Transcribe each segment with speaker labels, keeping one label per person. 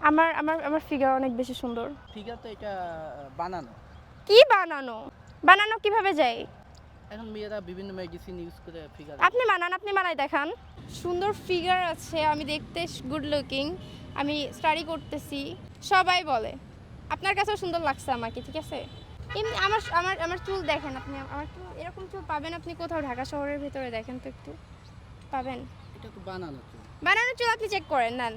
Speaker 1: আমার আমার আমার ফিগার অনেক বেশি সুন্দর।
Speaker 2: ফিগার তো এটা বানানো।
Speaker 1: কি বানানো? বানানো কিভাবে যায়?
Speaker 2: এখন মেয়েরা বিভিন্ন মেডিসিন ইউজ করে ফিগার।
Speaker 1: আপনি বানান, আপনি বানাই দেখান। সুন্দর ফিগার আছে, আমি দেখতে গুড লুকিং, আমি স্টাডি করতেছি, সবাই বলে। আপনার কাছেও সুন্দর লাগছে আমাকে, ঠিক আছে? এমনি আমার আমার আমার চুল দেখেন আপনি, আমার চুল এরকম চুল পাবেন আপনি কোথাও? ঢাকা শহরের ভিতরে দেখেন তো একটু, পাবেন?
Speaker 2: এটা তো বানানো চুল।
Speaker 1: বানানো চুল আপনি চেক করেন, নেন।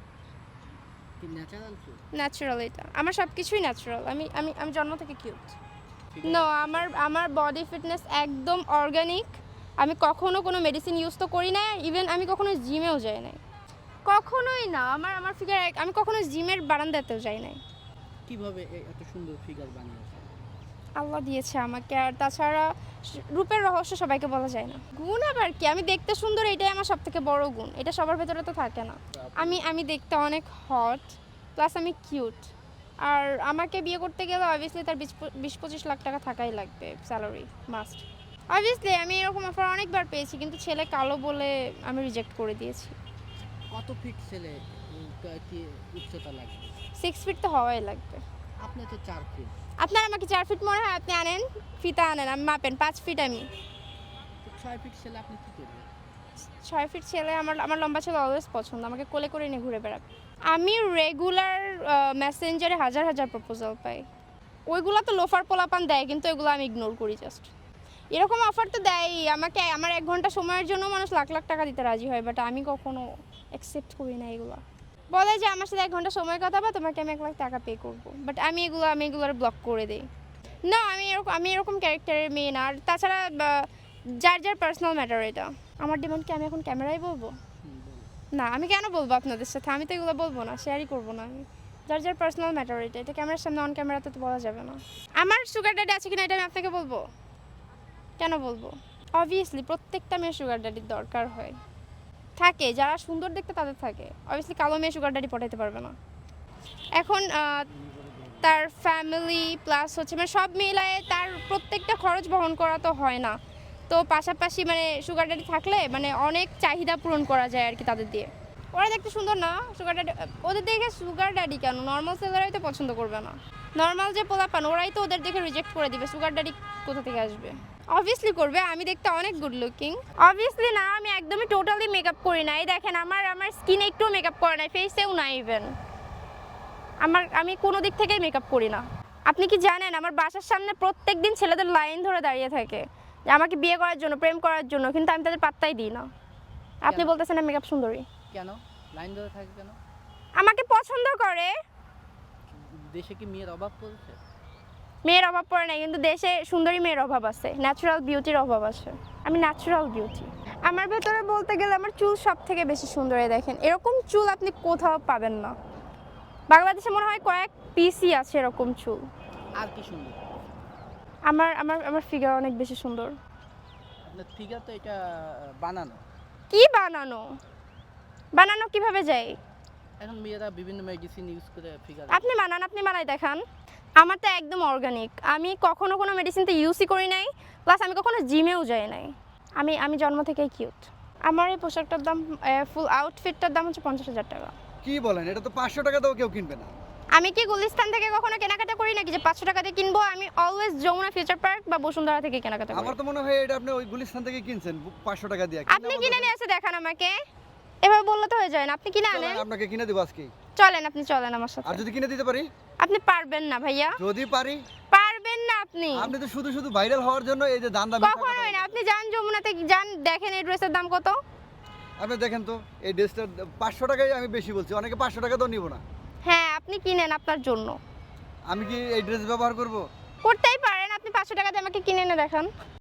Speaker 2: কি ন্যাচারাল চুল?
Speaker 1: ন্যাচারাল এটা, আমার সব কিছুই ন্যাচারাল। আমি আমি আমি জন্ম থেকে কিউট।
Speaker 2: Figure-
Speaker 1: নো, আমার আমার বডি ফিটনেস একদম অর্গানিক। আমি কখনো কোনো মেডিসিন ইউজ তো করি না, ইভেন আমি কখনো জিমেও যাই নাই, কখনোই না। আমার আমার ফিগার, আমি কখনো জিমের বারান্দাতেও যাই নাই।
Speaker 2: কিভাবে এত সুন্দর ফিগার বানিয়েছে?
Speaker 1: আল্লাহ দিয়েছে আমাকে, আর তাছাড়া রূপের রহস্য সবাইকে বলা যায় না। গুণ আবার কি, আমি দেখতে সুন্দর, এটাই আমার সব থেকে বড় গুণ। এটা সবার ভেতরে তো থাকে না। আমি দেখতে অনেক হট, প্লাস আমি কিউট। আর আমাকে বিয়ে করতে গেলে অবভিয়াসলি তার 20-25 লাখ টাকা থাকাই লাগবে, স্যালারি মাস্ট। অবভিয়াসলি আমি এরকম অফার অনেকবার পেয়েছি, কিন্তু ছেলে কালো বলে আমি রিজেক্ট করে দিয়েছি।
Speaker 2: কত ফিট ছেলে কি উচ্চতা লাগবে?
Speaker 1: 6 ফিট তো হওয়াই লাগবে।
Speaker 2: আপনি তো 4 ফিট।
Speaker 1: আপনার আমাকে 4 ফিট মনে হয়? আপনি আনেন ফিতা, আনেন, আমি মাপেন। 5 ফিট আমি।
Speaker 2: তো 6 ফিট ছেলে আপনি কি করবেন?
Speaker 1: 6 ফিট ছেলে, আমার আমার লম্বা ছেলে অলওয়েজ পছন্দ, আমাকে কোলে করে নিয়ে ঘুরে বেড়াবে। আমি রেগুলার মেসেঞ্জারে হাজার হাজার প্রপোজাল পাই। ওইগুলো তো লোফার পোলাপান দেয়, কিন্তু এগুলো আমি ইগনোর করি জাস্ট। এরকম অফার তো দেয় আমাকে, আমার 1 ঘন্টা সময়ের জন্য মানুষ লাখ লাখ টাকা দিতে রাজি হয়, বাট আমি কখনো অ্যাকসেপ্ট করি না এগুলো। বলে যে আমার সাথে 1 ঘন্টা সময় কাটাবা, তোমাকে আমি 1 লাখ টাকা পে করবো, বাট আমি এগুলোর ব্লক করে দিই। না, আমি এরকম ক্যারেক্টারের মেয়ে না। আর তাছাড়া যার যার পার্সোনাল ম্যাটার এটা। আমার ডিমান্ডকে আমি এখন ক্যামেরায় বলবো?
Speaker 2: বলো।
Speaker 1: না, আমি কেন বলবো আপনাদের সাথে? আমি তো এগুলো বলবো না, শেয়ারই করবো না আমি। যার যার পার্সোনাল ম্যাটার এটা, এটা ক্যামেরার সামনে, অন ক্যামেরাতে তো বলা যাবে না। আমার সুগার ড্যাডি আছে কিনা এটা আমি আপনাকে বলবো? কেন বলবো? অবভিয়াসলি প্রত্যেকটা মেয়ের সুগার ড্যাডির দরকার হয়, থাকে। যারা সুন্দর দেখতে তাদের থাকে। অবভিয়াসলি কালো মেয়ে সুগার ড্যাডি পটাইতে পারবে না। এখন তার ফ্যামিলি প্লাস হচ্ছে মানে সব মিলায়ে তার প্রত্যেকটা খরচ বহন করা তো হয় না। তো পাশাপাশি মানে সুগার ড্যাডি থাকলে মানে অনেক চাহিদা পূরণ করা যায় আর কি তাদের দিয়ে। ওরা দেখতে সুন্দর না সুগার ড্যাডি, ওদের দেখে সুগার ড্যাডি কেন, নর্মাল ছেলেরাই তো পছন্দ করবে না। নর্মাল যে পোলাপান ওরাই তো ওদের দেখে রিজেক্ট করে দিবে, সুগার ড্যাডি কোথা থেকে আসবে? অবভিয়াসলি করবে, আমি দেখতে অনেক গুড লুকিং। অবভিয়াসলি না, আমি একদমই টোটালি মেকআপ করি না। এই দেখেন আমার স্কিনে একটু মেকআপ করে নাই, ফেসেও না ইভেন। আমি কোনো দিক থেকেই মেকআপ করি না। আপনি কি জানেন আমার বাসার সামনে প্রত্যেকদিন ছেলেদের লাইন ধরে দাঁড়িয়ে থাকে যে আমাকে বিয়ে করার জন্য, প্রেম করার জন্য, কিন্তু আমি তাদের পাত্তাই দিই না। আপনি
Speaker 2: কেন?
Speaker 1: বলতেছেন মেকআপ সুন্দরী?
Speaker 2: কেন লাইন ধরে থাকে কেন?
Speaker 1: আমাকে পছন্দ করে।
Speaker 2: দেশে কি মেয়ের অভাব পড়েছে?
Speaker 1: মেয়ের অভাব পড়ে না, কিন্তু দেশে সুন্দরী মেয়ের অভাব আছে, ন্যাচারাল বিউটির অভাব আছে। আমি ন্যাচারাল বিউটি। আমার ভেতরে বলতে গেলে আমার চুল সব থেকে বেশি সুন্দর। এই দেখেন, এরকম চুল আপনি কোথাও পাবেন না। বাংলাদেশে মনে হয় কয়েক পিসই আছে এরকম চুল।
Speaker 2: আর কি সুন্দর?
Speaker 1: আমার আমার আমার ফিগার অনেক বেশি সুন্দর।
Speaker 2: আপনার ফিগার তো এটা বানানো।
Speaker 1: কি বানানো? বানানো কিভাবে যায়?
Speaker 2: এখন মেয়েরা বিভিন্ন মেডিসিন ইউজ করে ফিগার।
Speaker 1: আপনি বানান, আপনি বানাই দেখান। আমার তো একদম অর্গানিক, আমি কখনো কোনো মেডিসিন তো ইউজই করি নাই, প্লাস আমি কখনো জিমেও যাই নাই। আমি জন্ম থেকেই কিউট। আমার এই পোশাকটার দাম, ফুল আউটফিটটার দাম হচ্ছে 50,000 টাকা।
Speaker 3: কি বলেন? এটা তো 500 টাকা দাও কেউ কিনবে না।
Speaker 1: আমি কি গুলিস্তান থেকে কখনো কেনাকাটা করি নাকি যে 500 টাকা দিয়ে কিনবো? আমি অলওয়েজ যমুনা ফিউচার পার্ক বা বসুন্ধরা থেকে কেনাকাটা করি।
Speaker 3: আমার তো মনে হয় এটা আপনি ওই গুলিস্তান থেকে কিনছেন 500 টাকা দিয়ে।
Speaker 1: আপনি কিনে নিয়ে এসে দেখান আমাকে, এভাবে বললে তো হয়ে যায় না। আপনি কিনে আনেন,
Speaker 3: আপনাকে কিনে দেব আজকে।
Speaker 1: চলেন, আপনি চলেন আমার সাথে।
Speaker 3: আর যদি কিনে দিতে পারি?
Speaker 1: আপনি পারবেন না ভাইয়া,
Speaker 3: যদি পারি।
Speaker 1: পারবেন না আপনি।
Speaker 3: আপনি তো শুধু শুধু ভাইরাল হওয়ার জন্য এই যে দাম দাম
Speaker 1: কখনোই না। আপনি যান যমুনাতে, যান, দেখেন এই ড্রেসের দাম কত।
Speaker 3: আপনি দেখেন তো এই ড্রেসটার 500 টাকাই আমি বেশি বলছি, অনেকে 500 টাকা তো নিব না।
Speaker 1: হ্যাঁ, আপনি কিনেন আপনার জন্য।
Speaker 3: আমি কি এই ড্রেস ব্যবহার করব?
Speaker 1: করতেই পারেন, আপনি 500 টাকা দিয়ে আমাকে কিনে এনে দেখান।